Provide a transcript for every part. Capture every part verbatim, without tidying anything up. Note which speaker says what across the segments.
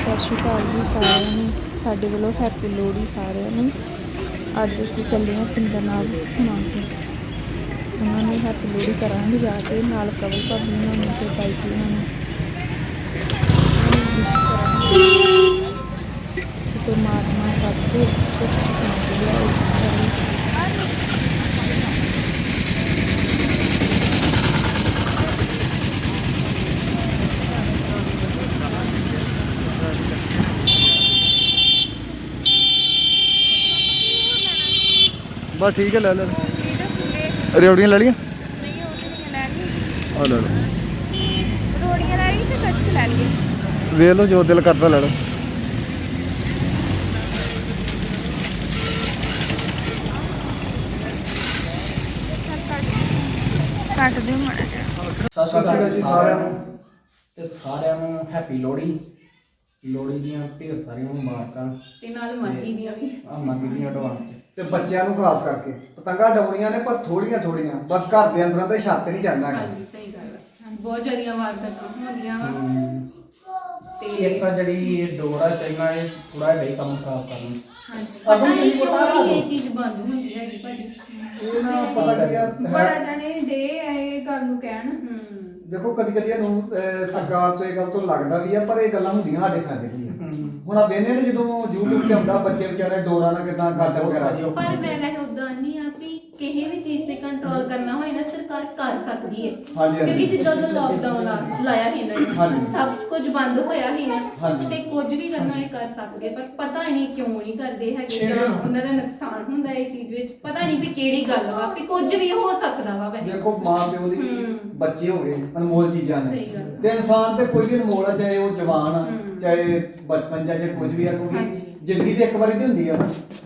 Speaker 1: ਸਤਿ ਸ਼੍ਰੀ ਅਕਾਲ ਜੀ ਸਾਰਿਆਂ ਨੂੰ। ਸਾਡੇ ਵੱਲੋਂ ਹੈਪੀ ਲੋਹੜੀ ਸਾਰਿਆਂ ਨੂੰ। ਅੱਜ ਅਸੀਂ ਚੱਲੇ ਹਾਂ ਪਿੰਡ ਨਾਲ ਘੁੰਮਣ ਕੇ, ਉਹਨਾਂ ਨੂੰ ਹੈਪੀ ਲੋਹੜੀ ਕਰਾਂਗੇ ਜਾ ਕੇ, ਨਾਲ ਕਵਲ ਭਾਬੀ ਉਹਨਾਂ ਨੂੰ ਅਤੇ ਬਾਈ ਜੀ ਉਹਨਾਂ ਨੂੰ ਪਰਮਾਤਮਾ ਸਭ ਦੇ ਸੁੱਖ ਸ਼ਾਂਤੀ ਲਿਆਏ।
Speaker 2: बस ठीक है, ले ले रेवड़ियाँ ले लिया और ले लो वे लो जो दिल करता ले लो।
Speaker 1: ਕੱਟ ਦਿਓ ਮਾੜਾ ਜਿਹਾ।
Speaker 3: ਸਤਿ ਸ਼੍ਰੀ ਅਕਾਲ ਜੀ ਸਾਰਿਆਂ ਨੂੰ ਤੇ ਸਾਰਿਆਂ ਨੂੰ ਹੈਪੀ ਲੋਹੜੀ। ਲੋਹੜੀ ਦੀਆਂ ਢੇਰ ਸਾਰੀਆਂ ਮੁਬਾਰਕਾਂ
Speaker 4: ਤੇ ਨਾਲ ਮਾਗੀ ਦੀਆਂ ਵੀ
Speaker 3: ਆ ਮਾਗੀ ਦੀਆਂ ਐਡਵਾਂਸ ਚ।
Speaker 5: ਤੇ ਬੱਚਿਆਂ ਨੂੰ ਖਾਸ ਕਰਕੇ ਪਤੰਗਾਂ ਡਾਉਣੀਆਂ ਨੇ, ਪਰ ਥੋੜੀਆਂ ਥੋੜੀਆਂ, ਬਸ ਘਰ ਦੇ ਅੰਦਰਾਂ ਤੇ ਛੱਤ ਨਹੀਂ ਚੜਨਾ ਹੈਗਾ।
Speaker 4: ਹਾਂਜੀ ਸਹੀ ਗੱਲ ਹੈ, ਬਹੁਤ ਜ਼ਿਆਦੀਆਂ ਵਾਰਦਾਤਾਂ ਹੁੰਦੀਆਂ ਵਾ
Speaker 3: ਤੇ ਇੱਕ ਜਿਹੜੀ ਡੋਰਾ ਚਾਈਨਾ ਇਹ ਥੋੜਾ ਜਿਹਾ ਹੀ ਕੰਮ ਖਰਾਬ ਕਰਨਾ।
Speaker 4: ਹਾਂਜੀ ਪਤਾ ਨਹੀਂ ਕਿਉਂ ਇਹ ਚੀਜ਼ ਬੰਦ ਹੁੰਦੀ ਹੈਗੀ ਭਾਜੀ।
Speaker 5: ਇਹ ਨਾ ਪਤਾ ਕੀ ਆ
Speaker 6: ਬੜਾ ਜਣੇ ਡੇ ਇਹ ਗੱਲ ਨੂੰ ਕਹਿਣ।
Speaker 4: ਹੂੰ
Speaker 5: ਦੇਖੋ ਕਦੀ ਕਦੀ ਇਹਨੂੰ ਅਹ, ਸਰਕਾਰ ਤੋਂ ਇਹ ਗੱਲ ਤੋਂ ਲੱਗਦਾ ਵੀ ਆ, ਪਰ ਇਹ ਗੱਲਾਂ ਹੁੰਦੀਆਂ ਸਾਡੇ ਫਾਇਦੇ ਲਈ ਆ। ਹੁਣ ਆ ਵੇਨੇ ਨੇ ਜਦੋਂ YouTube ਤੇ ਆਉਂਦਾ ਬੱਚੇ ਵਿਚਾਰੇ ਡੋਰਾਂ ਨਾਲ ਕਿਦਾਂ ਗੱਡ ਵਗੈਰਾ।
Speaker 4: ਪਰ ਮੈਂ ਵੈਸੇ ਉਦਾਂ ਨਹੀਂ ਆ ਵੀ ਕਿਸੇ ਵੀ ਚੀਜ਼ ਤੇ ਕੰਟਰੋਲ ਕਰਨਾ ਹੋਏ ਨਾ ਸਰਕਾਰ ਕਰ ਸਕਦੀ ਹੈ।
Speaker 5: ਹਾਂਜੀ, ਹਾਂਜੀ।
Speaker 4: ਕਿਉਂਕਿ ਜਿੱਦਾਂ ਦਾ ਲੋਕਡਾਊਨ ਲਾਇਆ ਸੀ ਇਹਨਾਂ ਨੇ,
Speaker 5: ਹਾਂਜੀ।
Speaker 4: ਸਭ ਕੁਝ ਬੰਦ ਹੋਇਆ ਸੀ ਨਾ,
Speaker 5: ਹਾਂਜੀ।
Speaker 4: ਤੇ ਕੁਝ ਵੀ ਕਰਨਾ ਇਹ ਕਰ ਸਕਦੇ, ਪਰ ਪਤਾ ਨਹੀਂ ਕਿਉਂ ਨਹੀਂ ਕਰਦੇ ਹੈਗੇ, ਜਾਂ ਉਹਨਾਂ ਦਾ ਨੁਕਸਾਨ ਹੁੰਦਾ ਇਹ ਚੀਜ਼ ਵਿੱਚ। ਪਤਾ ਨਹੀਂ ਵੀ ਕਿਹੜੀ ਗੱਲ ਵਾ, ਵੀ ਕੁਝ ਵੀ ਹੋ ਸਕਦਾ ਵਾ ਵੈਸੇ।
Speaker 5: ਦੇਖੋ ਮਾਂ ਪਿਓ ਦੀ
Speaker 4: ਹੂੰ।
Speaker 5: ਬੱਚੇ ਹੋ ਗਏ ਅਨਮੋਲ ਚੀਜ਼ਾਂ ਨੇ,
Speaker 4: ਸਹੀ ਗੱਲ।
Speaker 5: ਤੇ ਇਨਸਾਨ ਤੇ ਕੋਈ ਵੀ ਅਨਮੋਲ ਆ, ਚਾਹੇ ਉਹ ਜਵਾਨ ਆ
Speaker 4: ਹੂੰ।
Speaker 5: ਚਾਹੇ ਬਚਪਨ ਚਾਹੇ ਕੁਝ ਵੀ ਆ, ਕਿਉਂਕਿ
Speaker 4: ਹਾਂਜੀ।
Speaker 5: ਜ਼ਿੰਦਗੀ ਤੇ ਇੱਕ ਵਾਰੀ ਤੇ ਹੁੰਦੀ ਆ।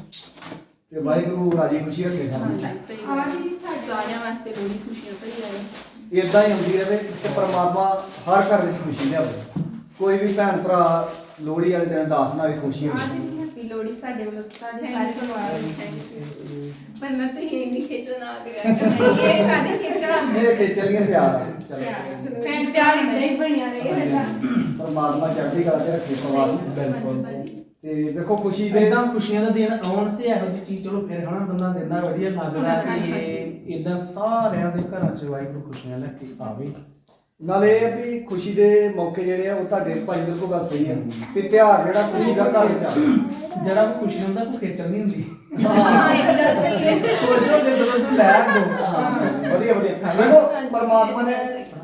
Speaker 5: ਤੇ ਵਾਹਿਗੁਰੂ ਰਾਜੀ ਖੁਸ਼ੀ ਰੱਖੇ ਸਾਨੂੰ।
Speaker 4: ਆਵਾਜ਼ ਜੀ ਸਾਰਿਆਂ ਵਾਸਤੇ ਬੜੀ ਖੁਸ਼ੀਆਂ ਭਰੀ ਆਏ।
Speaker 5: ਇਦਾਂ ਹੀ ਹੁੰਦੀ ਰਹੇ ਤੇ ਪਰਮਾਤਮਾ ਹਰ ਘਰ ਵਿੱਚ ਖੁਸ਼ੀ ਲਿਆਵੇ। ਕੋਈ ਵੀ ਭੈਣ ਭਰਾ ਲੋਹੜੀ ਵਾਲੇ ਦਿਨ ਦਾਸ ਨਾਲ ਖੁਸ਼ੀ ਹੁੰਦੀ ਹੈ।
Speaker 4: ਹੈਪੀ ਲੋਹੜੀ ਸਾਡੇ ਵੱਲੋਂ ਸਾਡੇ ਸਾਰੇ ਪਰਿਵਾਰ ਨੂੰ ਥੈਂਕ ਯੂ। ਪਰ ਮੈਂ ਤਾਂ ਇਹ ਨਹੀਂ ਖੇਚਲ ਨਾ ਕਰਿਆ ਇਹ ਕਾਦੇ ਖੇਚਲ
Speaker 5: ਇਹ ਖੇਚਲੀਆਂ ਪਿਆਰ ਆ। ਚਲੋ
Speaker 4: ਫੈਨ ਪਿਆਰ ਇਦਾਂ ਹੀ ਬਣਿਆ ਰਹੇ ਸਾਡਾ।
Speaker 5: ਪਰਮਾਤਮਾ ਚੜ੍ਹਦੀ ਕਲਾ ਤੇ ਰੱਖੇ ਪਰਿਵਾਰ ਨੂੰ।
Speaker 3: ਬਿਲਕੁਲ।
Speaker 5: ਤੇ ਦੇਖੋ ਖੁਸ਼ੀ ਦੇ
Speaker 3: ਇਦਾਂ ਖੁਸ਼ੀਆਂ ਦਾ ਦਿਨ ਆਉਣ ਤੇ ਇਹੋ ਜਿਹੀ ਚੀਜ਼ ਚਲੋ ਫਿਰ ਹਨਾ ਬੰਦਾ ਦਿੰਦਾ ਵਧੀਆ ਲੱਗਦਾ ਕਿ ਇਦਾਂ ਸਾਰਿਆਂ ਦੇ ਘਰਾਂ 'ਚ ਵਾਹਿਗੁਰੂ ਖੁਸ਼ੀਆਂ ਲੈ ਕੇ ਆਵੇ।
Speaker 5: ਨਾਲੇ ਇਹ ਆ ਵੀ ਖੁਸ਼ੀ ਦੇ ਮੌਕੇ ਜਿਹੜੇ ਆ ਉਹ ਤੁਹਾਡੇ ਭਾਈ ਬਿਲਕੁਲ ਗੱਲ ਸਹੀ ਹੈ ਵੀ ਤਿਉਹਾਰ ਜਿਹੜਾ ਖੁਸ਼ੀ ਦਾ ਘਰ ਵਿੱਚ ਆ।
Speaker 3: ਜਿਹੜਾ ਵੀ ਖੁਸ਼ੀ ਹੁੰਦਾ ਕੋਈ ਖੇਚਲ ਨਹੀਂ ਹੁੰਦੀ।
Speaker 4: ਹਾਂ ਇਹ ਗੱਲ ਸਹੀ ਹੈ।
Speaker 3: ਖੁਸ਼ ਹੋ ਕੇ ਸਗੋਂ ਤੂੰ ਲੈ ਦੋ।
Speaker 5: ਵਧੀਆ ਵਧੀਆ। ਦੇਖੋ ਪਰਮਾਤਮਾ ਨੇ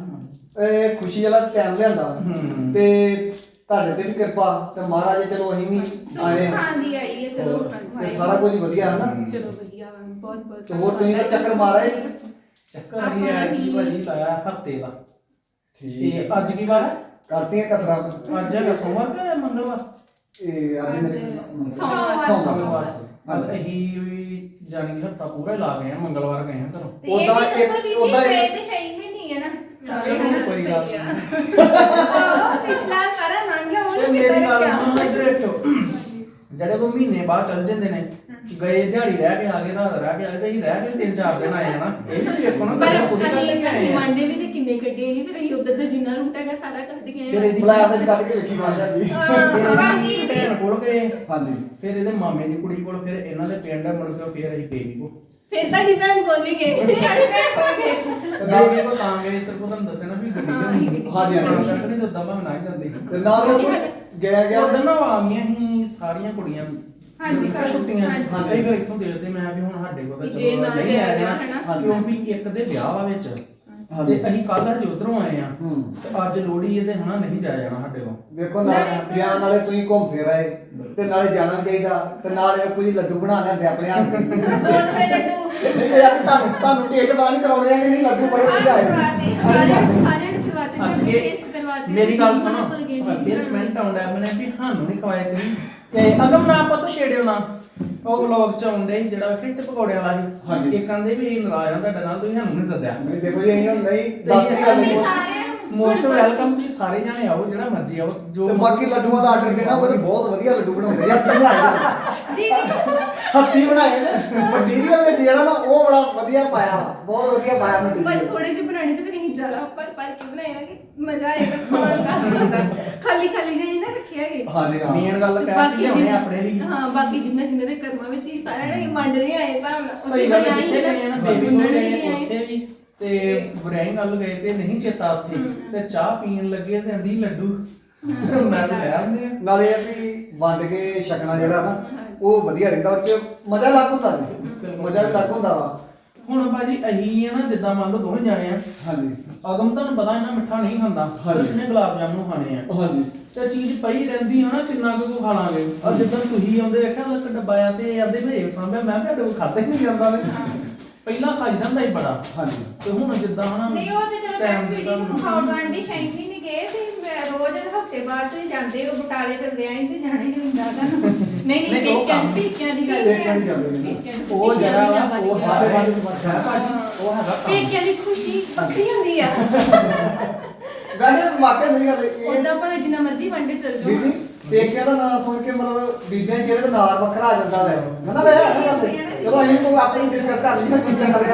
Speaker 5: ਇਹ ਖੁਸ਼ੀ ਵਾਲਾ ਟਾਈਮ ਲਿਆਂਦਾ ਤੇ ਤੁਹਾਡੇ ਤੇ ਵੀ ਕਿਰਪਾ ਤੇ ਮਹਾਰਾਜ ਚਲੋ ਅਸੀਂ ਵੀ ਆਏ ਹਾਂ
Speaker 4: ਹਾਂਜੀ ਆਈ ਹੈ ਚਲੋ।
Speaker 5: ਤੇ ਸਾਰਾ ਕੁਝ ਵਧੀਆ ਹੈ ਨਾ।
Speaker 4: ਚਲੋ ਵਧੀਆ ਵਾ, ਬਹੁਤ ਬਹੁਤ
Speaker 5: ਤੇ ਹੋਰ ਤੁਸੀਂ ਤਾਂ ਚੱਕਰ ਮਾਰਿਆ ਹੀ।
Speaker 3: ਚੱਕਰ ਨਹੀਂ ਆਇਆ ਕੀ ਭਾਜੀ ਲਾਇਆ ਹਫਤੇ ਦਾ।
Speaker 5: ਠੀਕ
Speaker 3: ਤੇ ਅੱਜ ਕੀ ਵਾਰ ਹੈ?
Speaker 5: ਕਰਤੀਆਂ ਕਸਰਾਂ।
Speaker 3: ਅੱਜ ਹੈਗਾ ਸੋਮਵਾਰ ਕਿ ਮੰਗਲਵਾਰ?
Speaker 5: ਇਹ ਅੱਜ ਮੇਰੇ
Speaker 4: ਸੋਮਵਾਰ।
Speaker 5: ਸੋਮਵਾਰ।
Speaker 3: ਅੱਜ ਅਸੀਂ ਵੀ ਜਾਣੀ ਹਫਤਾ ਪੂਰਾ ਹੀ ਲਾ ਗਏ ਆ, ਮੰਗਲਵਾਰ ਗਏ ਆ ਘਰੋਂ।
Speaker 4: ਤੇ ਇਹ
Speaker 5: ਉਹਦਾ
Speaker 4: ਵੀ
Speaker 5: ਇੱਕ-
Speaker 4: ਦੱਸੋ ਜੀ
Speaker 5: ਉਹਦਾ ਇੱਕ-
Speaker 4: ਇਹ ਤੇ ਸਹੀ ਵੀ ਨਹੀਂ ਹੈ ਨਾ।
Speaker 3: ਚਲੋ ਕੋਈ ਗੱਲ
Speaker 4: ਸਹੀ ਆ।
Speaker 3: ਨਹੀਂ।
Speaker 4: ਪਿਛਲਾ ਸਾਰਾ ਲੰਘ ਗਿਆ, ਹੁਣ
Speaker 3: ਤੇ
Speaker 4: ਕਿੱਦਾਂ
Speaker 3: ਮੇਰੀ ਗੱਲ
Speaker 4: ਰੱਖਿਆ?
Speaker 3: ਸੁਣੋ ਇੱਧਰ ਦੇਖੋ, ਜਿਹੜੇ ਕੋ ਮਹੀਨੇ ਬਾਅਦ ਚੱਲ ਜਾਂਦੇ ਨੇ, ਗਏ ਦਿਹਾੜੀ ਰਹਿ ਕੇ ਆ ਗਏ, ਰਾਤ ਰਹਿ ਕੇ ਆ ਗਏ, ਅਸੀਂ ਰਹਿ ਕੇ ਤਿੰਨ ਚਾਰ ਦਿਨ ਆਏ ਹਨਾ। ਇਹ ਵੀ ਦੇਖੋ ਨਾ
Speaker 4: ਪਰ
Speaker 3: ਗੱਲ ਖੁਦ ਕਰ
Speaker 4: ਅਸੀਂ
Speaker 3: ਕੇ ਆਏ ਆ।
Speaker 4: ਮੰਡੇ ਵੀ ਤੇ ਕਿੰਨੇ ਕੱਢੇ ਨਹੀਂ, ਫਿਰ ਅਸੀਂ ਉਧਰ ਦਾ ਜਿੰਨਾ ਰੂਟ ਹੈਗਾ ਸਾਰਾ ਕੱਢ ਗਏ
Speaker 3: ਫਿਰ
Speaker 4: ਆ।
Speaker 3: ਇਹਦੀ
Speaker 5: ਬੁਲਾਇਆ ਵਿੱਚ ਕੱਢ ਕੇ ਵੇਖੀ ਮਾਰ ਜਾਂਦੀ।
Speaker 3: ਫਿਰ
Speaker 4: ਬਾਕੀ
Speaker 3: ਇਹਦੀ ਭੈਣ ਕੋਲ ਗਏ,
Speaker 5: ਹਾਂਜੀ।
Speaker 3: ਫਿਰ ਇਹਦੇ ਮਾਮੇ ਦੀ ਕੁੜੀ ਕੋਲ, ਫਿਰ ਇਹਨਾਂ ਦੇ ਪਿੰਡ ਮੁੜ ਕੇ ਫਿਰ ਅਸੀਂ ਬੇਬੀ ਕੋਲ।
Speaker 4: ਫਿਰ ਤੁਹਾਡੀ ਭੈਣ ਕੋਲ ਵੀ ਗਏ, ਸਾਡੀ ਭੈਣ ਕੋਲ ਗਏ।
Speaker 3: ਬੇਬੀ ਕੋਲ ਤਾਂ ਗਏ, ਸਿਰਫ ਤੁਹਾਨੂੰ ਦੱਸਿਆ ਨਾ ਵੀ ਗੱਡੀ
Speaker 4: ਹਾਂ,
Speaker 3: ਨਹੀਂ
Speaker 5: ਹਾਂਜੀ, ਹਾਂਜੀ।
Speaker 3: ਨਹੀਂ ਤਾਂ ਦਬਾ ਨਾ ਹੀ ਜਾਂਦੀ।
Speaker 5: ਤੇ ਨਾਲ ਉਹ ਗਿਆ ਗਿਆ
Speaker 3: ਉਦੋਂ ਨਾ ਉਹ ਆ ਗਈਆਂ ਸੀ ਸਾਰੀਆਂ ਕੁੜੀਆਂ।
Speaker 4: ਹਾਂਜੀ,
Speaker 3: ਘਰ ਛੁੱਟੀਆਂ।
Speaker 4: ਹਾਂਜੀ।
Speaker 3: ਹਾਂਜੀ ਫਿਰ ਇੱਥੋਂ ਦੇਖਦੇ ਮੈਂ ਵੀ ਹੁਣ ਸਾਡੇ ਕੋਲ ਤਾਂ
Speaker 4: ਵੀ ਜੇ ਨਾ
Speaker 3: ਨਹੀਂ
Speaker 4: ਜਾਇਆ
Speaker 3: ਆਇਆ
Speaker 4: ਗਿਆ,
Speaker 3: ਨਾ,
Speaker 4: ਹਨਾ।
Speaker 3: ਕਿਉਂਕਿ ਇੱਕ ਦੇ ਵਿਆਹ ਵਾ ਵਿੱਚ
Speaker 5: ਹਾਂਜੀ।
Speaker 3: ਤੇ ਅਸੀਂ ਕੱਲ ਹਜੇ ਉਧਰੋਂ ਆਏ ਆ
Speaker 5: ਹੂੰ।
Speaker 3: ਤੇ ਅੱਜ ਲੋਹੜੀ ਇਹਦੇ ਹਨਾ ਨਹੀਂ ਜਾਇਆ ਜਾਣਾ ਸਾਡੇ ਕੋਲ।
Speaker 5: ਵੇਖੋ ਨਾਲ ਗਿਆਨ ਨਾਲੇ ਤੁਸੀਂ ਘੁੰਮ ਫਿਰ ਆਏ ਤੇ ਨਾਲੇ ਜਾਣਾ ਚਾਹੀਦਾ ਤੇ ਨਾਲੇ ਵੇਖੋ ਜੀ ਲੱਡੂ ਬਣਾ ਲੈਂਦੇ ਆਪਣੇ ਹੱਥ ਦੇ।
Speaker 6: ਦੋ ਰੁਪਏ ਲੱਡੂ
Speaker 5: ਨਹੀਂ ਤੇ ਯਾਰ ਤੁਹਾਨੂੰ ਤੁਹਾਨੂੰ ਟੇਸਟ ਪਤਾ ਨਹੀਂ ਕਰਾਉਣੇ ਆ ਕਿ ਨਹੀਂ ਲੱਡੂ ਬੜੇ ਵਧੀਆ ਆਏ।
Speaker 4: ਸਾਰਿਆਂ ਸਾਰਿਆਂ ਨੂੰ ਖਿਲਵਾਤੇ ਨੇ,
Speaker 3: ਅੱਗੇ
Speaker 4: ਟੇਸਟ ਕਰਵਾਤੇ।
Speaker 3: ਮੇਰੀ ਗੱਲ ਸੁਣੋ,
Speaker 4: ਉਹਨਾਂ ਕੋਲ ਗਏ ਨਹੀਂ।
Speaker 3: ਅੱਗੇ ਕਮੈਂਟ ਆਉਂਦਾ ਮੈਨੇ ਵੀ ਸਾਨੂੰ ਨਹੀਂ ਖਵਾਇਆ ਕਰੀ ਤੇ ਅਗਮ ਨਾ ਆਪਾਂ ਤੋਂ ਛੇੜਿਓ ਨਾ। ਉਹ ਵਲੌਗ ਚ ਆਉਂਦੇ ਸੀ ਜਿਹੜਾ ਵੇਖਿਆ ਇੱਥੇ ਪਕੌੜਿਆਂ ਵਾਲਾ ਸੀ।
Speaker 5: ਹਾਂਜੀ।
Speaker 3: ਇਹ ਕਹਿੰਦੇ ਵੀ ਨਾਰਾਜ਼ ਆ ਤੁਹਾਡੇ ਨਾਲ, ਤੁਸੀਂ ਸਾਨੂੰ ਨਹੀਂ ਸੱਦਿਆ।
Speaker 5: ਨਹੀਂ ਦੇਖੋ ਜੀ ਅਸੀਂ ਹੁਣ ਨਹੀਂ ਦੱਸਦੀ ਗੱਲ
Speaker 4: ਅਸੀਂ
Speaker 5: most-
Speaker 4: ਸਾਰਿਆਂ ਨੂੰ
Speaker 3: ਮੋਸਟ ਵੈਲਕਮ, ਤੁਸੀਂ ਸਾਰੇ ਜਾਣੇ ਆਓ, ਜਿਹੜਾ ਮਰਜ਼ੀ ਆਓ। ਜੋ
Speaker 5: ਤੇ ਬਾਕੀ ਲੱਡੂਆਂ ਦਾ ਆਰਡਰ ਦੇਣਾ ਉਹ ਬਹੁਤ ਵਧੀਆ ਲੱਡੂ ਬਣਾਉਂਦੇ ਆ। ਹੱਥੀਂ ਬਣਾਏ ਨੇ।
Speaker 4: ਦੀਦੀ
Speaker 5: ਹੱਥੀਂ ਬਣਾਏ ਨੇ। ਮਟੀਰੀਅਲ ਵਿੱਚ ਜਿਹੜਾ ਨਾ ਉਹ ਬੜਾ ਵਧੀਆ ਪਾਇਆ ਵਾ, ਬਹੁਤ ਵਧੀਆ ਪਾਇਆ
Speaker 4: ਬਸ
Speaker 5: ਮਟੀਰੀਅਲ।
Speaker 4: ਥੋੜੇ ਜਿਹੇ ਬਣਾਣੇ ਤੇ ਫਿਰ ਅਸੀਂ ਜ਼ਿਆਦਾ ਉੱਪਰ ਪਰ ਕੇ ਬਣਾਏ ਨਾ ਕਿ ਮਜ਼ਾ ਆਏਗਾ ਖਾਣ ਦਾ। ਖਾਲੀ ਖਾਲੀ ਜਿਹੇ ਨਾ ਰੱਖਿਆ ਗਏ।
Speaker 5: ਹਾਂਜੀ, ਹਾਂ।
Speaker 3: ਮੇਨ ਗੱਲ ਕਹਿ
Speaker 4: ਬਾਕੀ
Speaker 3: ਕੇ
Speaker 4: ਜਿੰਨੇ
Speaker 3: ਲਿਆਉਣੇ ਆਪਣੇ ਲਈ
Speaker 4: ਹਾਂ ਬਾਕੀ ਜਿੰਨੇ ਜਿੰਨੇ ਦੇ ਕਰਮਾਂ ਵਿੱਚ ਹੀ ਸਾਰਿਆਂ ਨੇ ਵੰਡਦੇ ਆਏ ਹਿਸਾਬ ਨਾਲ
Speaker 3: ਸਹੀ ਗੱਲ ਹੈ, ਜਿੱਥੇ ਗਏ ਨਾ ਬੇਬੀ ਕੋਲ
Speaker 4: ਉਹਨਾਂ ਨੇ
Speaker 3: ਗਏ
Speaker 4: ਵੀ ਆਏ।
Speaker 3: ਉੱਥੇ ਵੀ ਤੇ ਬੁਰਾਈ ਗੱਲ ਗਏ ਤੇ ਨਹੀਂ ਚੇਤਾ ਉੱਥੇ ਤੇ ਚਾਹ ਪੀਣ ਲੱਗੇ ਤੇ ਆਂਦੀ ਲੱਡੂ ਮੈਂ ਤਾਂ ਲੈ ਆਉਂਦੇ ਆ
Speaker 5: ਨਾਲੇ ਇਹ ਵੀ ਵੰਡ ਕੇ ਛਕਣਾ ਜਿਹੜਾ ਨਾ ਉਹ ਵਧੀਆ ਰਹਿੰਦਾ ਉਹ ਚ ਮਜ਼ਾ ਲੱਗ ਹੁੰਦਾ ਜੀ ਮਜ਼ਾ ਵੀ ਲੱਗ ਹੁੰਦਾ ਵਾ
Speaker 3: ਹੁਣ ਭਾਜੀ ਅਹੀ ਆ ਨਾ ਜਿੱਦਾਂ ਮੰਨ ਲਓ ਦੋਵੇਂ ਜਾਣੇ ਆ
Speaker 5: ਹਾਂਜੀ
Speaker 3: ਅਗਮ ਤੁਹਾਨੂੰ ਪਤਾ ਇਹਨਾਂ ਮਿੱਠਾ ਨਹੀਂ ਖਾਂਦਾ
Speaker 5: ਹਾਂਜੀ।
Speaker 3: ਸਿਰਫ ਨੇ ਗੁਲਾਬ ਜਾਮਨੂੰ ਖਾਣੇ ਆ
Speaker 5: ਹਾਂਜੀ
Speaker 3: ਤੇ ਚੀਜ਼ ਪਈ ਰਹਿੰਦੀ ਹੈ ਨਾ ਕਿੰਨਾ ਕੁ ਖਾ ਲਾਂਗੇ ਆ ਜਿੱਦਾਂ ਤੁਸੀਂ ਆਉਂਦੇ ਵੇਖਿਆ ਉਹ ਇੱਕ ਡੱਬਾ ਆ ਤੇ ਆਂਦੇ ਭੇਜ ਸਾਂਭਿਆ ਮੈਂ ਕਿਹਾ ਡੱਬਾ ਖਾਦੇ ਨਹੀਂ ਜਾਂਦਾ ਨੇ ਪਹਿਲਾਂ ਖਾਈਦਾ ਹੁੰਦਾ ਹੀ ਬੜਾ
Speaker 5: ਹਾਂਜੀ
Speaker 3: ਤੇ ਹੁਣ ਜਿੱਦਾਂ ਹਨਾ
Speaker 6: ਨਹੀਂ ਉਹ ਤੇ ਚਲੋ
Speaker 3: ਟਾਈਮ
Speaker 6: ਮੈਂ
Speaker 3: ਦੇ
Speaker 6: ਵੀਡੀਓ
Speaker 3: ਹਿਸਾਬ ਨਾਲ।
Speaker 6: ਖਾਉਣ ਗਾਂਡੀ ਸ਼ੈਂਕੀ ਨਹੀਂ ਗਏ ਤੇ ਮੈਂ ਰੋਜ਼ ਹਫਤੇ ਬਾਅਦ ਤੇ ਜਾਂਦੇ ਉਹ ਬਟਾਲੇ ਤੇ ਵਿਆਹ ਤੇ ਜਾਣਾ ਹੀ ਹੁੰਦਾ ਤਾਂ
Speaker 4: ਨਹੀਂ ਨਹੀਂ
Speaker 3: ਨਹੀਂ, ਉਹ
Speaker 4: ਪੇਕਿਆਂ
Speaker 3: ਕੰਮ।
Speaker 4: ਪੇਕਿਆਂ ਦੀ ਗੱਲ
Speaker 5: ਪੇਕਿਆਂ ਦੀ ਗੱਲ ਹੈ।
Speaker 4: ਪੇਕਿਆਂ ਦੀ
Speaker 3: ਉਹ
Speaker 4: ਖੁਸ਼ੀ
Speaker 3: ਜਿਹੜਾ
Speaker 4: ਮਹੀਨਾ
Speaker 3: ਵਾ,
Speaker 4: ਬਾਅਦ
Speaker 3: ਉਹ
Speaker 4: ਗਿਆ।
Speaker 5: ਸਾਡੇ
Speaker 3: ਹੈ
Speaker 5: ਬਾਅਦ ਵੀ ਬਾਤ ਹੈ
Speaker 3: ਭਾਜੀ ਉਹ ਹੈਗਾ ਕੰਮ।
Speaker 4: ਪੇਕਿਆਂ ਦੀ ਖੁਸ਼ੀ ਵੱਖਰੀ ਹੁੰਦੀ ਆ
Speaker 5: ਵੈਸੇ ਵਾਕਿਆ ਸਹੀ ਗੱਲ ਹੈ ਇਹ
Speaker 4: ਉਦਾਂ ਭਾਵੇਂ ਜਿੰਨਾ ਮਰਜ਼ੀ ਵੰਡੇ ਚਲ ਜਾਓ
Speaker 5: ਦੀਦੀ ਪੇਕਿਆਂ ਦਾ ਨਾਮ ਸੁਣ ਕੇ ਮਤਲਬ ਬੀਬੀਆਂ ਦੇ ਚਿਹਰੇ ਤੇ ਨਾਰ ਵੱਖਰਾ ਆ ਜਾਂਦਾ ਹੈ ਹਨਾ ਵੇ ਚਲੋ ਅਸੀਂ ਕੋਈ ਆਪਣੀ ਡਿਸਕਸ ਕਰ ਲਈਏ ਬੀਬੀਆਂ ਨਾਲ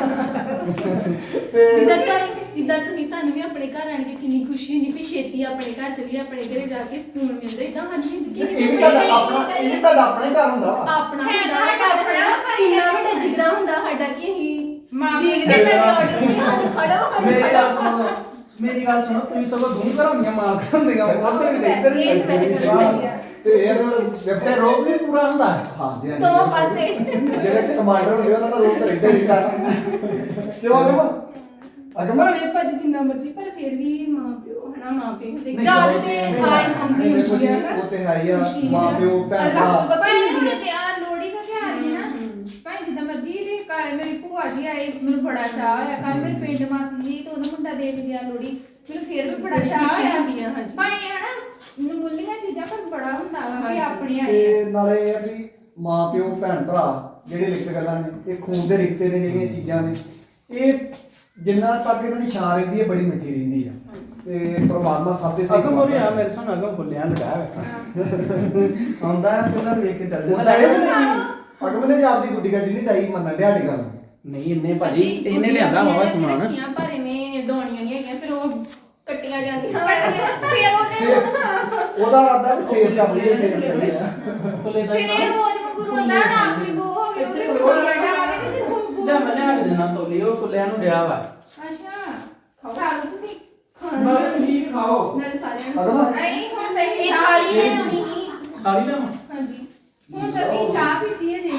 Speaker 5: ਤੇ
Speaker 4: ਜਿੱਦਾਂ ਤੁਹਾਨੂੰ ਜਿੱਦਾਂ ਤੁਸੀਂ ਤੁਹਾਨੂੰ ਵੀ ਆਪਣੇ ਘਰ ਆਣ ਕੇ ਕਿੰਨੀ ਖੁਸ਼ੀ ਹੁੰਦੀ ਵੀ ਛੇਤੀ ਆਪਣੇ ਘਰ ਚਲੀਏ ਆਪਣੇ ਘਰੇ ਜਾ ਕੇ ਸਕੂਨ ਮਿਲਦਾ ਇਦਾਂ ਸਾਡੀ ਜ਼ਿੰਦਗੀ
Speaker 5: ਇਹ ਵੀ ਤੁਹਾਡਾ ਆਪਣਾ ਇਹ ਵੀ ਤੁਹਾਡਾ ਆਪਣਾ ਹੀ ਘਰ ਹੁੰਦਾ ਵਾ
Speaker 4: ਆਪਣਾ
Speaker 6: ਹੈ
Speaker 4: ਹੁੰਦਾ
Speaker 6: ਤਾਂ ਸਾਡਾ ਆਪਣਾ, ਪਰ
Speaker 4: ਕਿੰਨਾ ਵੱਡਾ ਜਿਗਰਾ ਹੁੰਦਾ ਸਾਡਾ ਕਿ ਅਸੀਂ
Speaker 6: ਮਾਂ
Speaker 4: ਦੇਖਦੇ
Speaker 3: ਮੇਰੀ
Speaker 4: ਮੈਂ
Speaker 3: ਗੱਲ-
Speaker 4: ਆਰਡਰ ਨਹੀਂ ਸਾਨੂੰ ਖੜਾ ਹੋ
Speaker 3: ਮੇਰੀ ਗੱਲ ਸੁਣੋ ਮੇਰੀ ਗੱਲ ਸੁਣੋ ਤੁਸੀਂ ਸਗੋਂ ਦੂੰ ਘਰਾਂ ਦੀਆਂ ਮਾਲਕ ਹੁੰਦੀਆਂ ਉੱਥੇ ਵੀ ਦੇਖਦੇ
Speaker 6: ਇਹ
Speaker 3: ਨਹੀਂ
Speaker 6: ਤਾਂ ਵੈਸੇ ਗੱਲ ਸਹੀ ਆ।
Speaker 5: ਤੇ ਇਹ ਫਿਰ
Speaker 3: ਤੇ ਰੋਗ ਵੀ ਪੂਰਾ ਹੁੰਦਾ ਹੈ
Speaker 5: ਹਾਂਜੀ ਹਾਂਜੀ
Speaker 4: ਦੋ ਪਾਸੇ
Speaker 5: ਜਿਹੜੇ ਕਮਾਂਡਰ ਹੁੰਦੇ ਉਹਨਾਂ ਦਾ ਰੋਲ ਤਾਂ ਰਹਿੰਦਾ ਹੀ ਕਰ ਕਿਉਂ ਅਗਮ ਅਗਮ
Speaker 4: ਭਾਵੇਂ ਭੱਜ ਜਿੰਨਾ ਮਰਜ਼ੀ ਪਰ ਫਿਰ ਵੀ ਮਾਂ ਪਿਓ ਹਨਾ ਮਾਂ ਪਿਓ ਹੁੰਦੇ
Speaker 3: ਨਹੀਂ,
Speaker 4: ਜਦ
Speaker 3: ਉਹ
Speaker 4: ਤੇ
Speaker 3: ਤੇ
Speaker 4: ਹਾਈ ਹੁੰਦੀ
Speaker 5: ਦੇਖੋ
Speaker 4: ਹੁੰਦੀ
Speaker 5: ਜੀ,
Speaker 4: ਆ ਨਾ
Speaker 5: ਉਹ ਤੇ ਹੈ ਹੀ ਆ
Speaker 4: ਖੁਸ਼ੀ
Speaker 5: ਮਾਂ
Speaker 4: ਆ।
Speaker 5: ਪਿਓ ਭੈਣ
Speaker 4: ਰੱਬ
Speaker 5: ਭਰਾ
Speaker 4: ਪਤਾ
Speaker 6: ਭਾਈ
Speaker 4: ਹੀ
Speaker 6: ਹੁਣ
Speaker 4: ਨਹੀਂ
Speaker 6: ਤੇ ਆ ਲੋੜੀ ਦਾ ਤਿਉਹਾਰ ਹੈ ਨਾ ਭਾਈ ਜਿੱਦਾਂ ਮਰਜੀ ਦੇ ਘਰ ਮੇਰੀ ਭੂਆ ਜੀ ਆਏ ਮੈਨੂੰ ਬੜਾ ਚਾਹ ਹੋਇਆ ਕੱਲ ਮੇਰੇ ਪਿੰਡ ਮਾਸੀ ਜੀ ਤੋਂ ਉਹਦਾ ਮੁੰਡਾ ਦੇਖ ਗਿਆ ਲੋੜੀ ਮੈਨੂੰ ਫਿਰ ਵੀ ਬੜਾ
Speaker 4: ਬੜੀ
Speaker 6: ਚਾਹ
Speaker 4: ਖੁਸ਼ੀ
Speaker 6: ਹੋਇਆ
Speaker 4: ਹੁੰਦੀ ਆ, ਹਾਂਜੀ।
Speaker 6: ਭਾਈ ਹਨਾ ਨਮੂਲੀਆਂ ਚੀਜ਼ਾਂ ਪਰ ਬੜਾ ਹੁੰਦਾ ਵਾ ਵੀ
Speaker 4: ਹਾਂਜੀ।
Speaker 6: ਆਪਣੇ ਆਏ
Speaker 5: ਤੇ ਨਾਲੇ ਇਹ ਆ ਵੀ ਮਾਂ ਪਿਓ ਭੈਣ ਭਰਾ ਜਿਹੜੇ ਲਿਖਤ ਗੱਲਾਂ ਨੇ ਇਹ ਖੂਨ ਦੇ ਰਿਸ਼ਤੇ ਨੇ ਜਿਹੜੀਆਂ ਚੀਜ਼ਾਂ ਨੇ ਇਹ ਜਿੰਨਾ ਤੱਕ ਇਹਨਾਂ ਦੀ ਛਾਂ ਰਹਿੰਦੀ ਹੈ ਬੜੀ ਮਿੱਠੀ ਰਹਿੰਦੀ ਆ ਤੇ ਪਰਮਾਤਮਾ ਸਭ ਦੇ ਸਹੀ
Speaker 3: ਅਗਮ ਹੋ ਰਿਹਾ ਮੇਰੇ ਸਾਹਮਣੇ ਅਗਮ ਫੁੱਲਿਆ ਲੜਾ ਆਉਂਦਾ ਹੈ ਤੇ ਉਹਨਾਂ ਵੇਖ ਕੇ ਚੱਲ
Speaker 5: ਉਹ
Speaker 3: ਜਾਂਦਾ
Speaker 5: ਤਾਂ ਇਹ ਵੀ ਨਹੀਂ ਅਗਮ ਨੇ ਵੀ ਆਪਦੀ ਗੁੱਡੀ ਗੱਡੀ ਨਹੀਂ ਟਾਈ ਮੰਨਣ ਡਿਆ ਦੀ ਗੱਲ
Speaker 3: ਨਹੀਂ ਇੰਨੇ ਭਾਜੀ ਇਹਨੇ ਲਿਆਂਦਾ ਵਾਵਾ ਸਮਾਨ
Speaker 4: ਰੱਖੀਆਂ ਪਰ ਇਹਨੇ ਡਾਉਣੀਆਂ ਨਹੀਂ ਹੈਗੀਆਂ ਫਿਰ ਉਹ ਕੱਟੀਆਂ ਜਾਂਦੀਆਂ
Speaker 6: ਫਿਰ ਉਹਦੇ
Speaker 5: ਸੇਬ ਉਹਦਾ ਰਾਦਾ ਵੀ ਸੇਬ ਕਰ ਲਈਏ ਸੇਬ ਸਹੀ ਆ
Speaker 3: ਫੁੱਲੇ ਦਾ
Speaker 6: ਫਿਰ ਇਹ ਰੋਜ਼ ਵਾਂਗੂ ਰੋਂਦਾ ਨਾ ਆਪਣੀ ਬੋ ਹੋ ਗਈ ਉਹਦੇ ਕੋਲੀਆਂ ਡਾ ਕੇ ਤੇ ਹੁਣ
Speaker 3: ਲੈ ਮੈਂ ਲਿਆ ਕੇ ਦੇਣਾ ਤੋਲੀ ਉਹ ਫੁੱਲਿਆਂ ਨੂੰ ਡਿਆ ਵਾ
Speaker 6: ਅੱਛਾ ਖਾ ਲਓ ਤੁਸੀਂ
Speaker 3: ਬਾਕੀ ਠੀਕ ਖਾਓ
Speaker 4: ਨਾਲੇ ਸਾਰਿਆਂ ਨੂੰ
Speaker 5: ਅਗਮ
Speaker 6: ਨਹੀਂ ਹੁਣ ਤਾਂ
Speaker 4: ਇਹ
Speaker 6: ਇਹ
Speaker 4: ਥਾਲੀ
Speaker 6: ਚਾਹ
Speaker 4: ਲੈ ਆਉਣੀ ਸੀ
Speaker 3: ਖਾਲੀ ਨਾ
Speaker 4: ਹਾਂਜੀ
Speaker 6: ਹੁਣ ਤਾਂ ਅਸੀਂ ਚਾਹ ਪੀਤੀ ਹੈ ਜੀ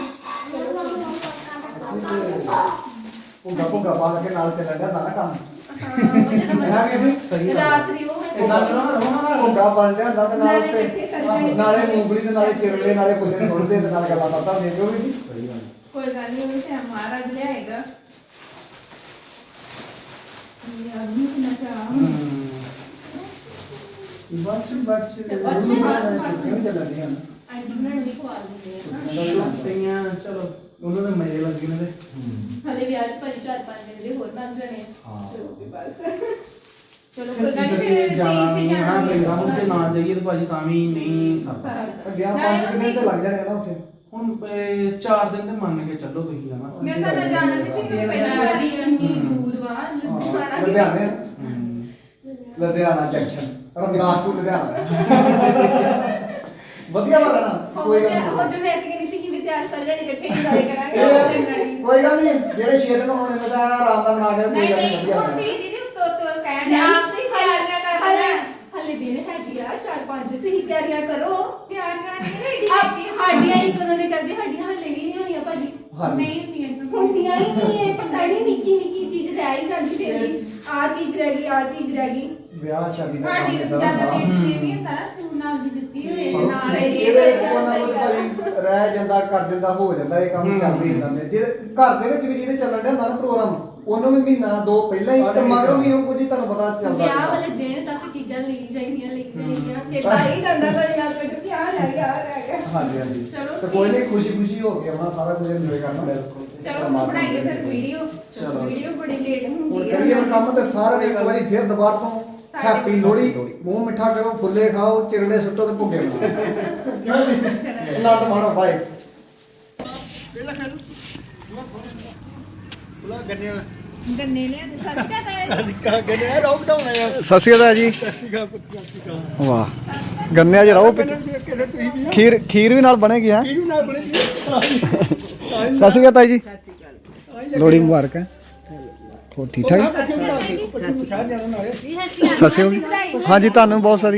Speaker 5: ਉਹ ਗੱਪੋ ਗੱਪਾ ਕੇ ਨਾਲ ਚੱਲਣ ਡਿਆ ਨਾ ਕੰਮ
Speaker 4: ਹਾਂ ਉਹ ਜਦੋਂ
Speaker 5: ਹੈ ਵੀ ਜੀ
Speaker 3: ਸਹੀ ਗੱਲ ਆ।
Speaker 4: ਰਾਤਰੀ ਉਹ ਹੈ
Speaker 3: ਇਦਾਂ ਕਰੋ ਨਾ ਰੋਣਾ ਨਾ
Speaker 5: ਭੁੱਗਾ ਬਣ ਜਾਂਦਾ ਤੇ ਨਾਲ
Speaker 4: ਨਾਲੇ
Speaker 5: ਤੇ
Speaker 4: ਇਕੱਠੇ ਸੱਜਣੇ।
Speaker 5: ਨਾਲੇ ਮੂੰਗਲੀ ਤੇ ਨਾਲੇ ਚਿਰਲੇ ਨਾਲੇ ਫੁੱਲੇ ਸੁੱਟਦੇ ਤੇ ਨਾਲ ਗੱਲਾਂ ਬਾਤਾਂ ਦੇ ਦਿਓ ਵੀ ਜੀ
Speaker 3: ਸਹੀ ਗੱਲ
Speaker 6: ਕੋਈ ਗੱਲ ਨਹੀਂ ਉਹ ਤੇ ਮਹਾਰਾਜ ਲਿਆਏਗਾ ਯਾਰ ਨੂੰ ਕਿੰਨਾ ਚਾਹ
Speaker 5: ਬੱਚ ਬੱਚ
Speaker 4: ਬੱਚ,
Speaker 5: ਕਿਉਂ ਚੱਲਦੀਆਂ
Speaker 4: ਆਂਟੀ ਬਣਾਉਣ ਦੀ ਖਵਾ ਦਿੰਦੇ ਆ ਨਾ
Speaker 3: ਤਈਆਂ ਚਲੋ ਉਹਨਾਂ ਦੇ ਮਜ਼ੇ ਲੱਗੇ ਨੇ ਤੇ
Speaker 4: ਹਲੇ ਵਿਆਹ 'ਚ ਭਾਜੀ ਚਾਰ ਪੰਜ ਦਿਨ ਦੇ ਹੋਰ ਲੱਗ ਜਾਣੇ
Speaker 5: ਹਾਂ।
Speaker 4: ਚਲੋ ਵੀ ਬਸ
Speaker 6: ਚਲੋ ਕੋਈ ਗੱਲ ਨਹੀਂ ਫਿਰ
Speaker 3: ਜਾਣਾ
Speaker 6: ਤੀਨ
Speaker 3: ਨਹੀਂ
Speaker 6: ਚ
Speaker 3: ਹਾਂ
Speaker 6: ਜਾਣਾ
Speaker 3: ਪਿੰਡਾਂ ਨੂੰ ਤੇ ਨਾ ਜਾਈਏ ਤੇ ਭਾਜੀ ਤਾਂ ਵੀ ਨਹੀਂ ਸਰਦਾ
Speaker 5: ਗਿਆ ਪੰਜ ਕੁ ਦਿਨ ਤੇ ਲੱਗ ਜਾਣੇ ਆ ਨਾ ਉੱਥੇ
Speaker 3: ਹੁਣ ਇਹ ਚਾਰ ਦਿਨ ਤੇ ਮੰਨ ਕੇ ਚੱਲੋ ਤੁਸੀਂ ਹਨਾ
Speaker 6: ਮੇਰੇ ਸਾਹ ਨਾਲ ਜਾਣਾ ਤੇ ਤੁਸੀਂ ਪਹਿਲਾਂ
Speaker 4: ਵੀ ਇੰਨੀ ਦੂਰ ਵਾ
Speaker 5: ਹਾਂ,
Speaker 4: ਲੁਧਿਆਣਾ
Speaker 5: ਲੁਧਿਆਣੇ
Speaker 3: ਹਮ।
Speaker 5: ਲੁਧਿਆਣਾ ਜੰਕਸ਼ਨ ਰਮਦਾਸ ਟੂ ਲੁਧਿਆਣਾ ਵਧੀਆ ਵਾ ਰਹਿਣਾ ਕੋਈ ਗੱਲ
Speaker 4: ਉਹ
Speaker 5: ਨਹੀਂ
Speaker 4: ਜੋ ਮੈਂ ਕਹਿੰਦੀ ਸੀ ਕਿ ਵੀ ਤਿਆਰ ਸਾਰੇ ਜਣੇ ਇਕੱਠੇ ਇੰਜੋਏ ਕਰਾਂਗੇ
Speaker 5: ਇਹ ਕੋਈ ਗੱਲ ਨਹੀਂ ਜਿਹੜੇ ਛੇ ਦਿਨ ਹੋਣੇ ਨੇ ਤਾਂ ਆਰਾਮ ਨਾਲ ਬਣਾ ਕੇ ਕੋਈ
Speaker 6: ਨਹੀਂ
Speaker 5: ਗੱਲ
Speaker 6: ਨਹੀਂ
Speaker 5: ਵਧੀਆ
Speaker 6: ਹੁਣ
Speaker 5: ਰਹਿਣਾ।
Speaker 6: ਤੁਸੀਂ ਦੀਦੀ ਤੋ ਤੋ ਕਹਿਣ ਦੇ ਆਪ ਤੁਸੀਂ ਤਿਆਰੀਆਂ ਕਰ
Speaker 4: ਹਲੇ
Speaker 6: ਲੈਣਾ
Speaker 4: ਹਲੇ ਦਿਨ ਹੈਗੀ ਆ ਚਾਰ ਪੰਜ ਤੁਸੀਂ ਤਿਆਰੀਆਂ ਕਰੋ
Speaker 6: ਤਿਆਰੀਆਂ ਨਹੀਂ ਰੈਡੀ
Speaker 4: ਆਪੀ ਸਾਡੀਆਂ ਹੀ ਕਦੋਂ ਦੇ ਕਰਦੇ ਸਾਡੀਆਂ ਹਲੇ ਵੀ ਨਹੀਂ ਹੋਈਆਂ ਭਾਜੀ
Speaker 5: ਹਾਂਜੀ
Speaker 6: ਨਹੀਂ ਹੁੰਦੀਆਂ
Speaker 4: ਹੁੰਦੀਆਂ ਹੀ ਨਹੀਂ ਇਹ ਪਤਾ ਨਹੀਂ ਨਿੱਕੀ ਨਿੱਕੀ ਚੀਜ਼ ਰਹਿ ਹੀ ਜਾਂਦੀ ਤੇਰੀ ਆ ਚੀਜ਼ ਰਹਿ ਗਈ ਆ ਚੀਜ਼ ਰਹਿ ਗਈ
Speaker 5: ਵਿਆਹ ਸ਼ਾਦੀ ਦਾ
Speaker 6: ਸਾਡੀ
Speaker 5: ਕੰਮ
Speaker 6: ਜਿਆਦਾ
Speaker 5: ਏਦਾਂ
Speaker 6: ਲੇਡੀਜ਼
Speaker 5: ਹੁੰਦਾ।
Speaker 6: ਨੇ ਵੀ ਹੁੰਦਾ ਨਾ ਸੂਟ ਨਾਲ ਦੀ ਜੁੱਤੀ ਹੋਏ ਤੇ
Speaker 5: ਹਾਂ,
Speaker 6: ਨਾਲ ਇਹ
Speaker 5: ਇਹਦੇ ਵਿੱਚ ਕੋਈ ਨਾ ਕੋਈ ਭਾਜੀ ਰਹਿ ਜਾਂਦਾ ਕਰ ਜਾਂਦਾ ਹੋ ਜਾਂਦਾ ਇਹ ਕੰਮ ਚੱਲਦੇ ਹੀ ਜਾਂਦੇ ਜੇ ਘਰ ਦੇ ਵਿੱਚ ਵੀ ਜਿਹਦੇ ਚੱਲਣ ਡਿਆ ਹੁੰਦਾ ਨਾ ਪ੍ਰੋਗਰਾਮ ਉਹਨੂੰ ਵੀ ਮਹੀਨਾ ਦੋ ਪਹਿਲਾਂ ਹੀ ਤੇ ਮਗਰੋਂ ਵੀ ਉਹ ਕੁਝ ਹੀ ਤੁਹਾਨੂੰ ਪਤਾ ਚੱਲਦਾ
Speaker 4: ਵਿਆਹ
Speaker 5: ਰਹਿੰਦਾ।
Speaker 4: ਵਾਲੇ ਦਿਨ ਤੱਕ ਚੀਜ਼ਾਂ ਲਈ ਜਾਂਦੀਆਂ ਲਈ ਜਾਂਦੀਆਂ ਚੇਤਾ ਹੀ ਜਾਂਦਾ ਕੋਈ ਨਾ ਕੋਈ ਕਿ ਆ ਰਹਿ ਗਿਆ ਆ ਰਹਿ ਗਿਆ
Speaker 5: ਹਾਂਜੀ ਹਾਂਜੀ
Speaker 6: ਚਲੋ
Speaker 5: ਤੇ ਕੋਈ ਨਹੀਂ ਖੁਸ਼ੀ ਖੁਸ਼ੀ ਹੋ ਕੇ ਆਪਣਾ ਸਾਰਾ ਕੁਝ ਇੰਜੋਏ ਕਰਨਾ
Speaker 6: ਚਲੋ ਬਣਾਈਏ ਫਿਰ ਵੀਡੀਓ
Speaker 3: ਚਲੋ।
Speaker 6: ਵੀਡੀਓ ਬੜੀ ਲੇਟ
Speaker 5: ਹੁਣ
Speaker 6: ਹੁੰਦੀ
Speaker 5: ਕਰੀਏ
Speaker 6: ਹੈ
Speaker 5: ਹੁਣ ਕੰਮ ਤੇ ਸਾਰਿਆਂ ਨੇ ਇੱਕ ਵਾਰੀ ਫਿਰ ਦੁਬਾਰਾ ਤੋਂ
Speaker 6: ਸਾਡੇ
Speaker 5: ਹੈਪੀ ਲੋਹੜੀ ਮੂੰਹ ਮਿੱਠਾ ਕਰੋ ਫੁੱਲੇ ਖਾਓ ਚਿਰੜੇ ਸੁੱਟੋ ਤੇ ਭੁੱਗੇ ਬਣਾਓ ਕਿਉਂ ਜੀ ਆਨੰਦ ਮਾਣੋ ਬਾਈ ਪਹਿਲਾਂ ਖਾ ਲਓ ਬੁਲਾ ਗੱਡੀਆਂ
Speaker 6: ਗੰਨੇ ਲਿਆ ਦੇ ਸੱਚ ਕਹਤਾ
Speaker 2: ਅੱਜ ਕਾ ਕਹਿੰਦੇ ਆ ਲੋਕਡਾਊਨ ਆਇਆ ਸਤਿ ਸ਼੍ਰੀ ਅਕਾਲ ਜੀ ਸਤਿ ਸ਼੍ਰੀ ਅਕਾਲ ਸਤਿ ਸ਼੍ਰੀ ਅਕਾਲ ਵਾਹ ਗੰਨਿਆਂ 'ਚ ਰਹੋ ਖੀਰ ਖੀਰ ਵੀ ਨਾਲ ਬਣੇਗੀ ਹੈ ਖੀਰ ਵੀ ਨਾਲ ਬਣੇਗੀ ਸਤਿ ਸ਼੍ਰੀ ਅਕਾਲ ਤਾਈ ਜੀ ਲੋਹੜੀ ਮੁਬਾਰਕ ਹੈ ਹੋਰ ਠੀਕ ਠਾਕ ਸਤਿ ਸ਼੍ਰੀ ਅਕਾਲ ਹਾਂਜੀ ਤੁਹਾਨੂੰ ਬਹੁਤ ਸਾਰੀ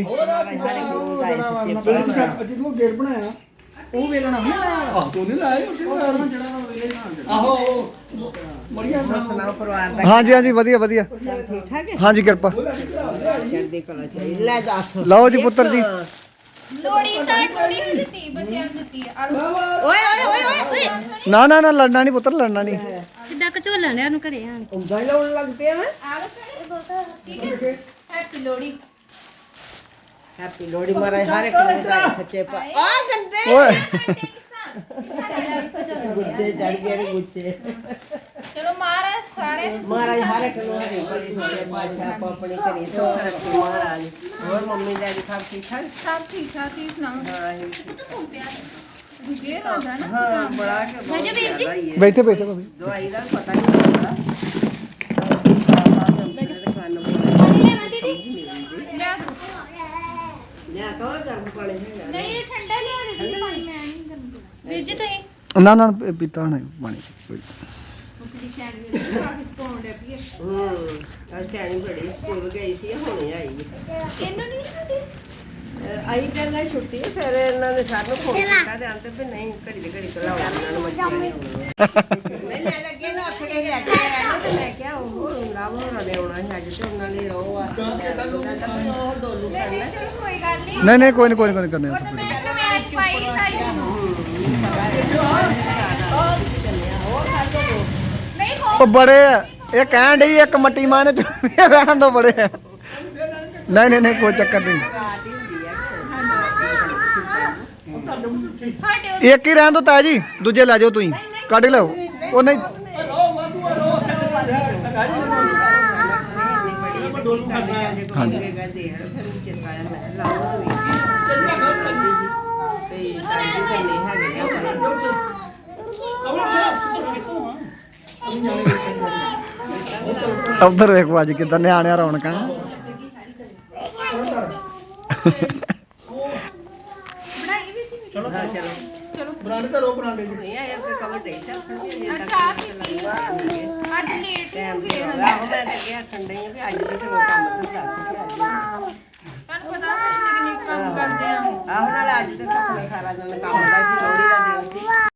Speaker 2: ਜਦੋਂ ਗੇਟ ਬਣਾਇਆ ਉਹ ਵੇਲਣਾ ਆਹ ਤੂੰ ਨਹੀਂ ਲਾਇਆ ਆਹੋ ਮੜੀਆਂ
Speaker 7: ਸੁਣਾਓ ਪਰਿਵਾਰ ਦਾ
Speaker 2: ਹਾਂਜੀ ਹਾਂਜੀ ਵਧੀਆ ਵਧੀਆ
Speaker 7: ਸਭ ਠੀਕ ਠਾਕ ਹੈ
Speaker 2: ਹਾਂਜੀ ਕਿਰਪਾ
Speaker 7: ਚੜ੍ਹਦੀ ਕਲਾ ਚਾਹੀਦੀ ਲੈ ਦੱਸ
Speaker 2: ਲਓ ਜੀ ਪੁੱਤਰ ਜੀ
Speaker 6: ਲੋੜੀ ਤਾਂ ਟੋੜੀ ਨੂੰ ਦਿੱਤੀ ਬੱਚਿਆਂ ਨੂੰ ਦਿੱਤੀ ਆ ਲਓ।
Speaker 7: ਓਏ ਓਏ ਓਏ ਓਏ
Speaker 2: ਨਾ ਨਾ ਨਾ ਲੜਨਾ ਨਹੀਂ ਪੁੱਤਰ ਲੜਨਾ ਨਹੀਂ
Speaker 6: ਕਿੱਦਾਂ ਕਚੋਲਾ ਲਿਆ ਨੂੰ ਘਰੇ ਆਣ
Speaker 7: ਉਂਗਲ ਲਾਉਣ ਲੱਗ ਪਿਆ ਮੈਂ
Speaker 6: ਆ ਲਓ ਸੋਹਣੇ ਠੀਕ ਹੈ ਹੈਪੀ ਲੋੜੀ
Speaker 7: ਹੈਪੀ ਲੋਹੜੀ ਮਹਾਰਾਜ ਹਰ ਇੱਕ ਨੂੰ ਵਧਾਏ ਸੱਚੇ ਪਾ ਆ ਗੰਦੇ
Speaker 2: ਓਏ
Speaker 7: ਗੁੱਚੇ ਚੜ ਗਏ ਨੇ ਗੁੱਚੇ
Speaker 6: ਚਲੋ ਮਹਾਰਾਜ ਸਾਰੇ
Speaker 7: ਮਹਾਰਾਜ ਹਰ ਇੱਕ ਨੂੰ ਹਰੀ ਭਰੀ ਸੱਚੇ ਪਾਤਸ਼ਾਹ ਆਪੋ ਆਪਣੀ ਘਰੀ ਸੁੱਖ ਰੱਖੇ ਮਹਾਰਾਜ ਹੋਰ ਮੰਮੀ ਡੈਡੀ ਸਭ ਠੀਕ ਠਾਕ
Speaker 6: ਸਭ ਠੀਕ ਠਾਕ ਤੁਸੀਂ ਸੁਣਾਓ
Speaker 7: ਹਾਂ ਅਸੀਂ ਠੀਕ
Speaker 6: ਗੁੱਗੇ ਹੋ ਜਾ ਨਾ
Speaker 7: ਹਾਂ ਬੜਾ ਕੇ ਬਹੁਤ ਜ਼ਿਆਦਾ ਹੀ ਹੈ
Speaker 2: ਬੈਠੇ ਬੈਠੇ ਤੁਸੀਂ
Speaker 7: ਦਵਾਈ ਦਾ ਪਤਾ ਨਹੀਂ ਲੱਗਦਾ
Speaker 6: ਲਿਆ ਦੋ
Speaker 7: ਲਿਆ ਕਵਰ ਗਰਮ ਪਾਣੀ ਹੈਗਾ
Speaker 6: ਨਹੀਂ ਇਹ ਠੰਡਾ ਲਿਆ ਦੇ ਦਿੱਤੀ ਪਾਣੀ ਮੈਂ ਨਹੀਂ ਗਰਮ ਕਰਨਾ ਵੀਰ ਜੀ ਤੁਸੀਂ
Speaker 2: ਨਾ ਨਾ ਪੀਤਾ ਨਹੀਂ ਪਾਣੀ ਕੋਈ
Speaker 6: ਮੁਕਦੀ ਸੈਂਡਵਿਚ ਕਾਫੀ ਪਾਉਣ ਦੇ ਪੀਏ
Speaker 7: ਹੂੰ ਕੱਲ ਸਿਆਣੀ ਬੜੀ ਸਕੂਲ ਗਈ ਸੀ ਹੁਣੇ ਆਈ
Speaker 6: ਇਹਨੂੰ ਨਹੀਂ ਖਾਦੀ
Speaker 7: ਆਈ ਕਹਿੰਦਾ ਛੁੱਟੀ ਫਿਰ ਇਹਨਾਂ ਨੇ ਸਾਨੂੰ ਫੋਨ ਕੀਤਾ ਤੇ ਆਂਦੇ ਵੀ ਨਹੀਂ ਘੜੀ ਦੀ ਘੜੀ ਕਲਾਉਣਾ ਇਹਨਾਂ ਨੂੰ ਮੱਝਾਂ ਨਹੀਂ ਨਹੀਂ ਮੈਂ ਤਾਂ ਅੱਗੇ ਨਾ ਅੱਖੇ ਲੈ ਕੇ ਆਇਆ ਤੇ ਮੈਂ ਕਿਹਾ ਉਹ ਲਾਭ ਹੋਣਾ ਨੇ ਆਉਣਾ ਸੀ ਅੱਜ ਤੇ ਉਹਨਾਂ ਨੇ ਰੋ ਆ ਉਹ ਡੋਲੂ ਕਰਨਾ
Speaker 6: ਚਲੋ ਕੋਈ ਗੱਲ ਨਹੀਂ
Speaker 2: ਨਹੀਂ ਨਹੀਂ ਕੋਈ ਨਹੀਂ ਕੋਈ ਨਹੀਂ ਕਰਨੇ
Speaker 6: ਉਹ ਤਾਂ ਮੈਂ ਮੈਚ ਪਾਈ ਤਾਈ ਨੂੰ ਨਹੀਂ ਹੋ
Speaker 2: ਉਹ ਬੜੇ ਆ। ਇਹ ਕਹਿਣ ਡਈ ਇੱਕ ਮੱਟੀ ਮਾਨ ਚ ਰਹਿਣ ਦੋ ਬੜੇ ਆ। ਨਹੀਂ ਨਹੀਂ ਨਹੀਂ ਕੋਈ ਚੱਕਰ ਨਹੀਂ
Speaker 6: ਸਾਡੇ
Speaker 2: ਇੱਕ ਹੀ ਰਹਿਣ ਦੋ ਤਾਇਆ ਜੀ ਦੂਜੇ ਲੈ ਜਾਓ ਤੁਸੀਂ ਕੱਢ ਲਓ ਉਹ ਨਹੀਂ
Speaker 7: ਹਾਂਜੀ ਦੇ ਹੜ ਫਿਰ ਚਿਰਕਾਇਆ ਮੈਂ ਲਾਓ ਤੇ ਟਾਈਮ ਤੇ ਨਹੀਂ ਹੈਗੇ
Speaker 2: ਉਧਰ ਵੇਖੋ ਅੱਜ ਕਿਦਾਂ ਨਿਆਣਿਆਂ ਰੌਣਕਾਂ
Speaker 6: ਬਣਾਈ ਵੀ ਸੀ
Speaker 7: ਚਲੋ ਚਲੋ
Speaker 6: ਚਲੋ
Speaker 2: ਬਰਾਂਡੇ ਤੇ ਰੋ ਬਰਾਂਡੇ
Speaker 7: ਨਹੀਂ ਆਇਆ ਕੋਈ ਕਵਰ ਦੇ ਸਕਦਾ
Speaker 6: ਅੱਛਾ ਪੀਤੀ ਅੱਜ ਲੇਟ ਹੋ
Speaker 7: ਟਾਈਮ
Speaker 6: ਗਏ
Speaker 7: ਤੇ ਆਹੋ ਮੈਂ ਤਾਂ ਕਿਹਾ ਠੰਡੇ ਆ ਵੀ ਅੱਜ ਦੇ ਸਗੋਂ ਕੰਮ ਤੋਂ ਦੱਸ ਕੇ ਅੱਜ
Speaker 6: ਤੁਹਾਨੂੰ ਪਤਾ ਹੈ ਕਿੰਨੇ ਕੰਮ ਕਰਦੇ ਆ
Speaker 7: ਆਹੋ ਨਾਲ ਅੱਜ ਤੇ ਸੁਪਨੇ ਸਾਰਾ ਦਿਨ ਕੰਮ ਦਾ ਸੀ ਲੋਹੜੀ ਦਾ ਦਿਨ ਸੀ